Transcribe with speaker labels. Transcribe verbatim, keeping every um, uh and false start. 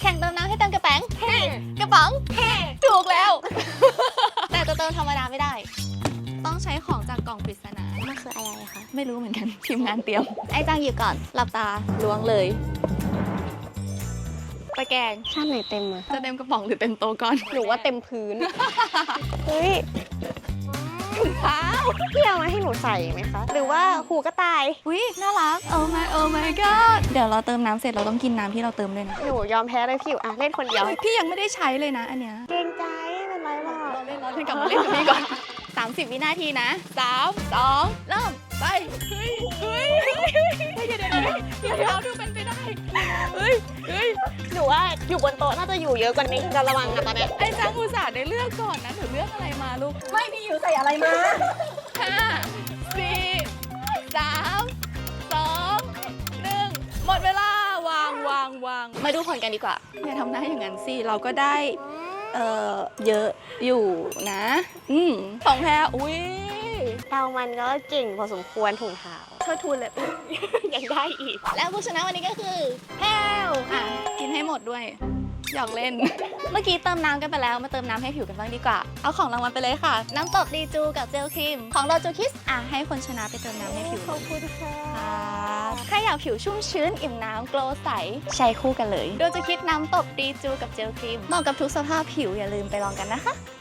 Speaker 1: ข่งเติมน้ำให้เต็มกระแป๋งกระป๋องถูกแล้ว แต่จะเติมธรรมดาไม่ได้ ต้องใช้ของจากกล่องปริศนามันคืออะไรคะไม่รู้เหมือนกันทีมงานเตรียมไอ้จังหยิบก่อนหลับตาล้วงเลยตะแกรง
Speaker 2: ชาติไหนเต็มอะ
Speaker 1: จะเต็มกระป๋องหรือเต็มโต๊ะก่อน
Speaker 2: หนูว่าเต็มพื้น เฮ้ย
Speaker 1: เท้า
Speaker 2: พี่เอามาให้หนูใส่ไหมคะ หรือว่าหูกระต่าย
Speaker 1: อุ้ยน่ารัก โอ้ my โอ้ my god เดี๋ยวเราเติมน้ำเสร็จเราต้องกินน้ำที่เราเติมด้วยนะ
Speaker 2: หนูยอมแพ้เลยพี่อยู่อ่ะเล่นคนเดียว
Speaker 1: พี่ยังไม่ได้ใช้เลยนะอันเนี้ย
Speaker 2: เกรงใจไม่เป็นไรหรอก
Speaker 1: เราเล่นเราเล่นกลับมาเล่นกับพี่ก่อน สามสิบ วินาทีนะสามสองเริ่มไปเฮ้ยเฮ้ยเฮ้ยเดี๋ยวเดี๋ยวเดี๋ยวเดี๋ยวดูเป็นไปได้เฮ้ยเฮ้ย
Speaker 2: หนูว่าอยู่บนโต๊ะน่าจะอยู่เยอะกว่านี้จะระวังนะตอนเนี้ย
Speaker 1: ไอ้จังอุตส่าห์ได้เลือกก่อนนะหนูเลือกอะไรมาลูก
Speaker 2: ไม่พี่อยู่ใส่อะไรมา
Speaker 1: ห้าสี่สามสองหนึ่งหมดเวลาวางวางวางมาดูผลกันดีกว่าอย่าทำหน้าอย่างนั้นสิเราก็ได้เอ่อเยอะอยู่นะอืมของแพ้อุ้ย
Speaker 2: เรามันก็เก่งพอสมควรถุงเท้า
Speaker 1: เธอทูนเลย
Speaker 2: ยังได้อีก
Speaker 1: และผู้ชนะวันนี้ก็คือแพลวอ่ะกินให้หมดด้วยหยอกเล่น เมื่อกี้เติมน้ำกันไปแล้วมาเติมน้ำให้ผิวกันบ้างดีกว่าเอาของรางวัลไปเลยค่ะ น้ำตบดีจูกับเจลครีมของโดจูคิสอ่ะให้คนชนะไปเติมน้ำให้ผิว
Speaker 2: ขอบคุณค่ะ
Speaker 1: ใครอยากผิวชุ่มชื้นอิ่มน้ำโกลว์ใสใช้คู่กันเลยโดจูคิสน้ำตบดีจูกับเจลครีมเหมาะกับทุกสภาพผิวอย่าลืมไปลองกันนะคะ